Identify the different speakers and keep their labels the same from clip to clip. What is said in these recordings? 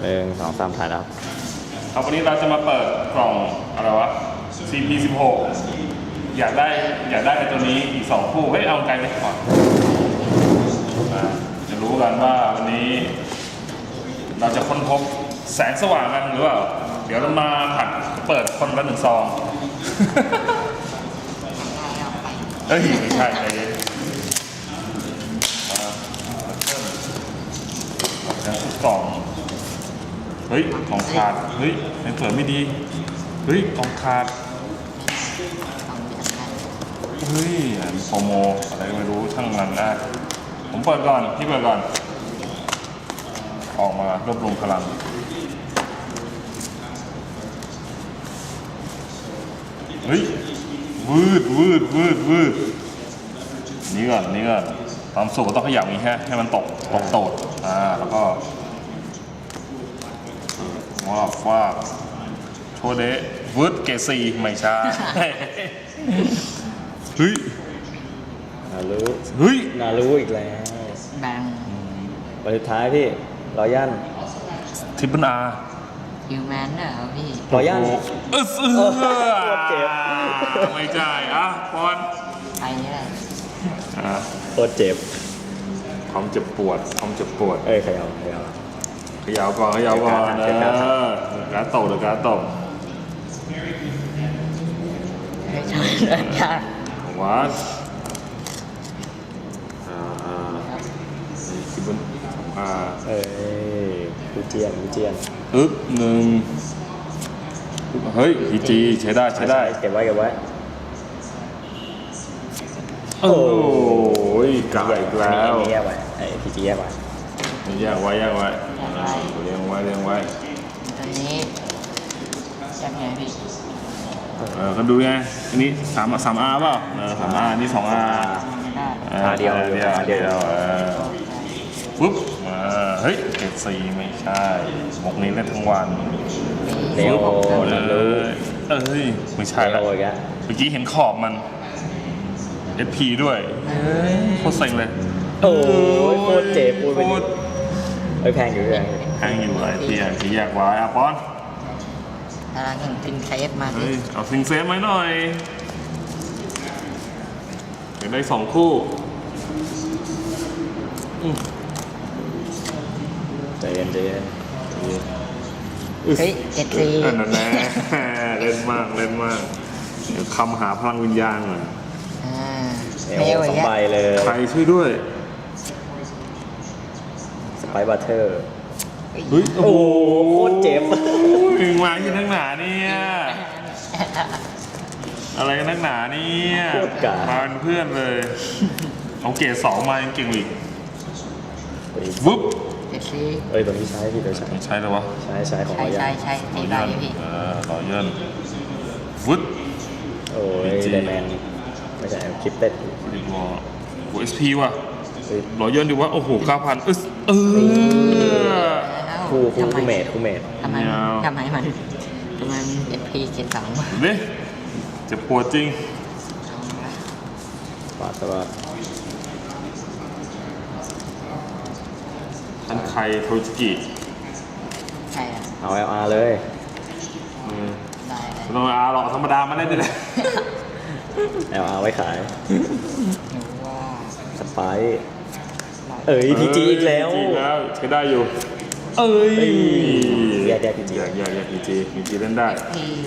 Speaker 1: 1 2 3ถ่ายแล้ว
Speaker 2: ครับวันนี้เราจะมาเปิดกล่องอะไรวะ CP16 อยากได้ไอ้ตัวนี้อีก2คู่เฮ้ยเอาไกลไปก่อนจะรู้กันว่าวันนี้เราจะค้นพบแสงสว่างกันหรือเปล่าเดี๋ยวเรามาผัดเปิดคนละ1 ซองเฮ้ยไม่ใช่ใจเย็นแล้วกล่องเฮ้ยกล่องขาดเฮ้ยไม่เปิดไม่ดีเฮ้ยกล่องขาดเฮ้ยโปรโมอะไรไม่รู้ช่างมันนะผมเปิดก่อนพี่เปิดก่อนออกมารวบรวมพลังเฮ้ยวืดนี่ก่อนความสุขก็ต้องขยับอย่างนี้ให้มันตกโตดแล้วก็ว้าโชเดะวืดเกซีไม่ใช่เฮ้ย
Speaker 1: นารู้อีกแล้ว
Speaker 3: แบง
Speaker 1: วันสุดท้ายพี่รอยัน
Speaker 2: ทิปเปิลอาร์
Speaker 3: ฮิวแมนเหรอพี่
Speaker 1: รอยัน
Speaker 2: เจ็บไม่ใช่ปอน
Speaker 3: ใครเนี่ย
Speaker 1: โคตรเจ็บ
Speaker 2: ความเจ็บปวด
Speaker 1: ขยับ
Speaker 2: ก่อนการตกหรือการตก
Speaker 3: ไม่ใช่เลยค่ะ
Speaker 2: วัดทิปเปิลอาร์
Speaker 1: กูเจียน
Speaker 2: 1เฮ้ยพีจีใช้ได้
Speaker 1: เก็บไว้
Speaker 2: โอ้ยกลับอีกแล้ว
Speaker 1: แยกไว้พีจีแยกไว้
Speaker 2: เรียงไว้ตอน
Speaker 3: นี้ยังไงพี่
Speaker 2: เขาดูไงอันนี้3R เปล่า3R นี่ 2R
Speaker 1: เดียว
Speaker 2: ปุ๊บเฮ้ยเกรด4ไม่ใช่หมกนี้เล่นทั้งวัน
Speaker 1: เร็ว
Speaker 2: ไม่ใช่แล้วเมื่อกี้เห็นขอบมัน SP ด้วยโคตรเซ็งเลย
Speaker 1: โคตรเจ็บพูดไปแพงอยู่ไ
Speaker 2: อ้ที่แยกไว้ปอน
Speaker 3: เห็นซิงเซฟมาดิ
Speaker 2: เอาซิงเซฟไหมหน่อยเดี๋ยวได้2 คู่
Speaker 1: ใจเย็น
Speaker 3: เฮ้ยเจ็ดสี่
Speaker 2: นั่นแน่เล่นมากเดี๋ยวคำหาพลังวิญญาณหน่อย
Speaker 1: 2 ใบเลย
Speaker 2: ใครช่วยด้วย
Speaker 1: สไปบัตเตอร์
Speaker 2: เฮ้ยโอ้โห
Speaker 1: โคตรเจ็บ
Speaker 2: มึงมาที่นักหนาเนี่ยอะไรกันนักหนาเนี่ยมาเป็นเพื่อนเลยเอาเกรด2มายังเก่งอีกวุ๊บ
Speaker 1: ตัวนี้ใช้พี่ใช้
Speaker 2: เลยวะ
Speaker 1: ใช้ของ
Speaker 3: ใช่ตีได้พี่
Speaker 2: ต่อเยินวุ๊บ
Speaker 1: ไดแมนไม่ใช่คลิปเต็ด
Speaker 2: โอ้SP ว่ะรอเยินดูว่าโอ้โห 9,000
Speaker 1: คู่เมท
Speaker 3: ทำไมมันSP เกต2
Speaker 2: นี่จะปวดจริง
Speaker 1: ปาดแต่ว่า
Speaker 2: ท่านไคโทจิกิ
Speaker 3: ใช่
Speaker 1: เอา LR เลย
Speaker 2: ไม่ต้อง LR หรอกธรรมดามาได้เลย
Speaker 1: LR ไว้ขายสไปพีจีอีกแล้ว
Speaker 2: ใช้ได้อยู่
Speaker 1: แยกพีจี
Speaker 2: พีจีเล่นได้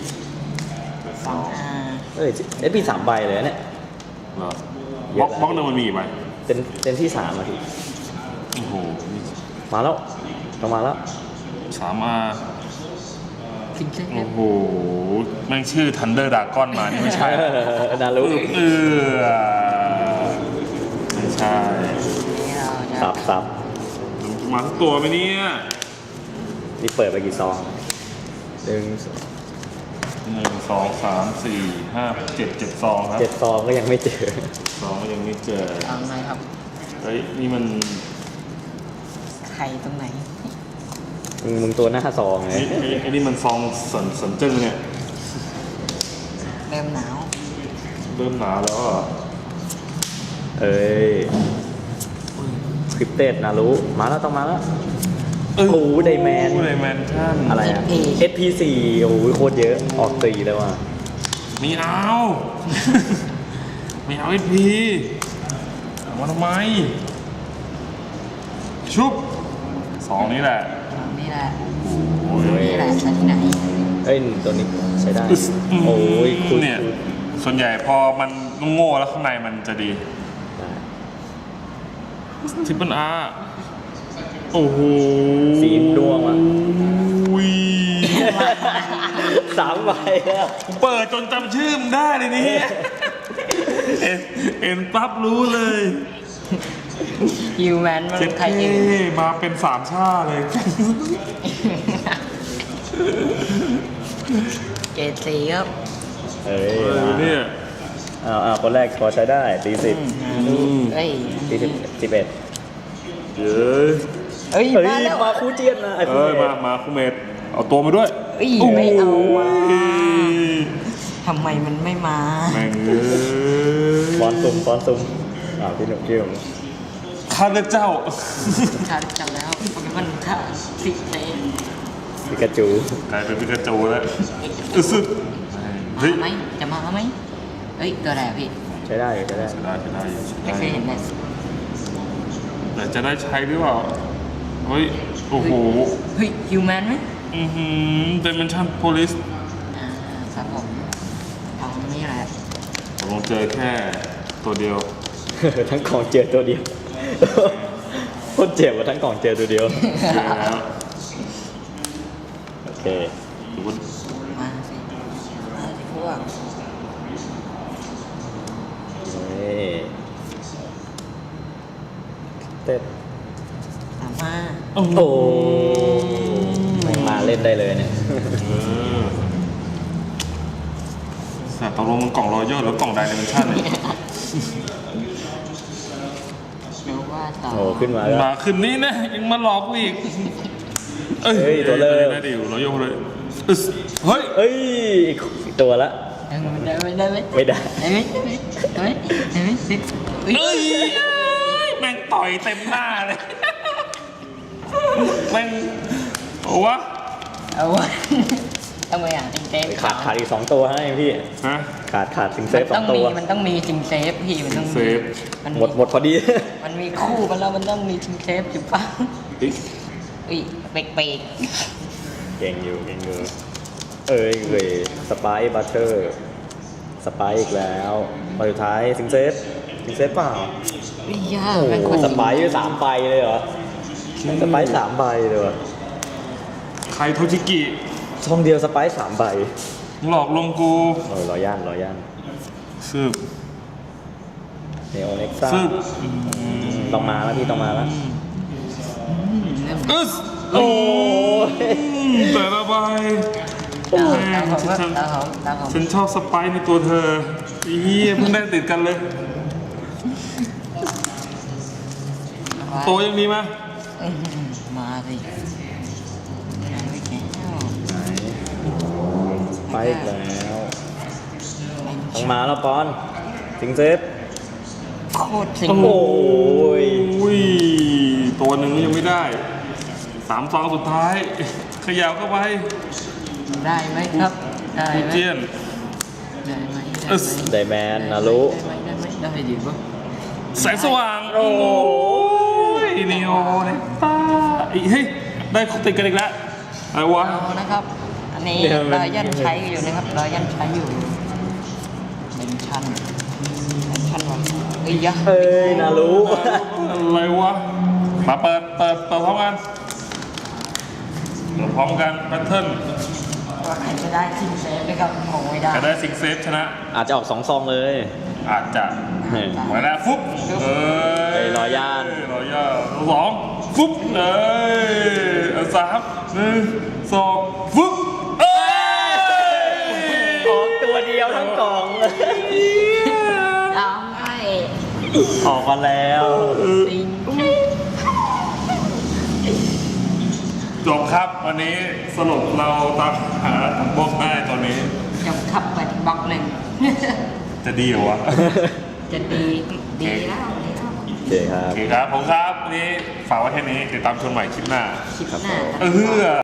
Speaker 1: SP 3 ใบเลยเนี่ย
Speaker 2: บล็อกนึงมันมีใบ
Speaker 1: เต็มที่3ที
Speaker 2: โอ้โห
Speaker 1: มาแล้วต้องมาแล้ว
Speaker 2: 3R โอ้โหแม่งชื่อ Thunder Dragon มานี่ไม่ใช่
Speaker 1: นารู้
Speaker 2: ไม่ใช่
Speaker 1: สับ
Speaker 2: มาทั้งตัวไหมเนี่ย
Speaker 1: นี่เปิดไปกี่ซอง
Speaker 2: 1 2 3 4 5 7 ซองครับ
Speaker 1: 7 ซองก็ยังไม่เจอ
Speaker 3: อะไรครับ
Speaker 2: เฮ้ยนี่มัน
Speaker 3: ใครตรงไหน
Speaker 1: มึงตัวหน้าซองไง
Speaker 2: ไอ้นี่มันซองสนจึ้งเนี่ย
Speaker 3: เริ่มหนาว
Speaker 2: แล้ว
Speaker 1: คลิปเต็ดนะรู้มาแล้วต้องมาแล้วโอ้โหไดแมน
Speaker 2: ไดแมนชั่น
Speaker 1: อะไรอะ SP4 โอ้โหโคตรเยอะออก4เลยว่ะ
Speaker 2: มีเอา มีเอาSP เอามาทำไม ชุบ2นี้แหละ
Speaker 3: นี่แหละ
Speaker 2: โอ้ย
Speaker 3: นี่แหละใช้ที่ไหน
Speaker 1: เอ้ยตัวนี้ใช้ได้โอ้ยคุณ
Speaker 2: เนี่ยส่วนใหญ่พอมันโง่แล้วข้างในมันจะดีทิปเปิลอาร์โอ้โห
Speaker 1: สีดวงว่ะ
Speaker 2: อุ้ย
Speaker 1: 3 ใบแล้ว
Speaker 2: เปิดจนจำชื่อมนได้เลยนี่เอ็นปั๊บรู้เลย
Speaker 3: ฮิวแมนมัน
Speaker 2: เจ็ด
Speaker 3: ใครเอง
Speaker 2: มาเป็น3 ชาเลย
Speaker 3: เกรดสีครับ
Speaker 1: เอ้ย
Speaker 2: เนี่ย
Speaker 1: อ้าวคนแรกพอใช้ได้40
Speaker 3: เฮ้ย
Speaker 1: 40 11
Speaker 2: เย้ย
Speaker 3: เฮ้ย
Speaker 1: เฮ้ย
Speaker 3: มาแล้ว
Speaker 1: มาคู่เจียนนะไอ้
Speaker 2: เอ้ยมาคูเมดเอาตัวมาด้วย
Speaker 3: เฮ้ยไม่เอาว่ะ
Speaker 2: โอ้ย
Speaker 3: ทำไมมันไม่มา
Speaker 2: แม่งเอ้ย
Speaker 1: ฟอนซุ่มพี่หนุ่มชื่อผม
Speaker 2: ข้าเลือกเจ้า
Speaker 3: ขาดจับแล้วโปเกมอนค่าสิเตะ
Speaker 1: ปิกาจู
Speaker 2: กลายเป็นปิกาจูแล้วอึสึเฮ้ย
Speaker 3: มาไหมจะมาไหมเฮ้ยตัวอะไรอะพี่
Speaker 1: ใช้ได้อยู่ใช้ได้
Speaker 2: ใช้ได้ใช้ได้
Speaker 3: ไม่เคยเห็นเลย
Speaker 2: แต่จะได้ใช้หรือเปล่าเฮ้ยโอ้โห
Speaker 3: เฮ้ยฮิวแมนไหม
Speaker 2: เดเมนชั่นโพลิส
Speaker 3: ครับผมเอานี่แหละ
Speaker 2: ผมลงเจอแค่ตัวเดียว
Speaker 1: ทั้งของเจอตัวเดียวโคตรเจ็บว่าทั้งของเจอตัวเดียว
Speaker 2: เจอแล้ว
Speaker 1: โอเค
Speaker 2: ดูว่า
Speaker 3: มาสิมาสิพวก
Speaker 1: นี่เต้น
Speaker 3: ตามมา
Speaker 1: โอ้โหไม่มาเล่นได้เลยเนี่ย
Speaker 2: แต่ตกลงมันกล่องรอยย่อหรือกล่องไดเมนชั่นเนี่ย
Speaker 3: รู้ว่าต่อ
Speaker 1: โอ้ขึ้นมาแล้ว
Speaker 2: มาคืนนี้นะยังมาหลอกกูอีก
Speaker 1: เฮ้ยตัวเริ่ม
Speaker 2: ได้ดิวรอยย่อเลยอึ๊สเฮ้ย
Speaker 1: เอ้ยอีกตัวละ
Speaker 3: ได้ไหมได้ไหม
Speaker 1: ไม่ได้
Speaker 3: ได้ไหมได้ไหมได้ไหมเฮ้ย
Speaker 2: เอ้ยแม่งต่อยเต็มหน้าเลยแม่งโอ้วะ
Speaker 3: เอาวะทำไมอ่ะติงเซฟ
Speaker 1: ขาดอีก2 ตัวให้พี่
Speaker 2: ฮะ
Speaker 1: ขาดสิงเซฟ
Speaker 3: มัน
Speaker 1: 2 ตัว
Speaker 3: มันต้องมีจิงเซฟพี่มันต้อง
Speaker 2: เซฟ
Speaker 3: มัน
Speaker 1: หมดพอดี
Speaker 3: มันมีคู่มันแล้วมันต้องมีจิงเซฟจุ๊บปัง
Speaker 2: เฮ้ย
Speaker 3: อุ้ยเบรกเบรก
Speaker 1: เก่งอยู่เอ้ยสไปซ์บัตเตอร์สไปซ์อีกแล้วมาสุดท้ายสิงเซฟเปล่า
Speaker 3: อุ้ยยา
Speaker 1: โอ้
Speaker 3: แม่ง
Speaker 1: โห
Speaker 3: โคตร
Speaker 1: สไปซ์3 ใบเลยเหรอสไปซ์3 ใบเลยเหรอ
Speaker 2: ใครโทจิกิ
Speaker 1: ช่องเดียวสไปซ์3 ใบ
Speaker 2: หลอกลวงกู
Speaker 1: รอย่าน
Speaker 2: สืบ
Speaker 1: เนโอเน็กซ่า
Speaker 2: สืบ
Speaker 1: ต้องมาแล้วพี่ต้องมาแล้ว
Speaker 2: อึ๊ส
Speaker 1: โอ้ย
Speaker 2: แต่ละใบ
Speaker 3: ตามผมครับตามผม
Speaker 2: ฉันชอบสไปซ์ในตัวเธออีเหี้ยเพิ่งได้ติดกันเลย โตยังมีไหม
Speaker 3: มาสิไหนไม่แก้ว
Speaker 1: ไปอีกแล้วต้องมาแล้วปอนสิงเซฟ
Speaker 3: โคตรสิง
Speaker 1: โอ้ย
Speaker 2: อุ้ยตัวหนึ่งยังไม่ได้3 ฟองสุดท้ายขยับเข้าไป
Speaker 3: ได้ไหมครับได้
Speaker 2: กู
Speaker 3: ไหม
Speaker 2: เจียน
Speaker 3: ได้ไหม
Speaker 2: อึ๊ส
Speaker 1: ไดแมนนารุ
Speaker 3: ได้ไหมได้ดิปะ
Speaker 2: แสงสว่าง
Speaker 1: โอ้
Speaker 2: ยนีโอเนี่ยตาอีเฮ้ยได้ติดกันอีกแล้วอะไรวะ
Speaker 3: เอานะครับ อันนี้รอยยันใช้อยู่นะครับรอยยันใช้อยู่เป็นชั้นวันเฮ้ยยะ
Speaker 1: เอ้ยนารุ
Speaker 2: อะไรวะมาเปิดพร้อมกันพร้อมกันแพทเทิร์น
Speaker 3: ว่าใครจะได้ซิงเซฟนะครับคงไม่ได้
Speaker 2: ใครได้ซิงเซฟชนะ
Speaker 1: อาจจะออก2 ซองเลย
Speaker 2: อาจจะ
Speaker 1: เฮ้ย
Speaker 2: ไว้แล้วฟุ๊บเอ้ย
Speaker 1: เอ้ยรอย่าน
Speaker 2: รอย่าน2ฟุ๊บเอ้ย3 1 2ฟุ๊บเอ้ย
Speaker 1: ออกตัวเดียวทั้งกล่องเลย
Speaker 3: เอาไง
Speaker 1: ออกมาแล้ว
Speaker 3: ซิง
Speaker 2: จบครับวันนี้สรุปเราตามหาถังบล็อกได้ตอนนี้
Speaker 3: จบขับไปบล็อกหนึ่ง
Speaker 2: จะดีเหรอวะ
Speaker 3: จะดีแล้วดีแล้ว
Speaker 1: เคครั
Speaker 2: โอบ เคครับผมครับวันนี้ฝากไว้แค่นี้ติดตามชมใหม่คลิปหน้า
Speaker 3: คลิปหน้า
Speaker 2: เออ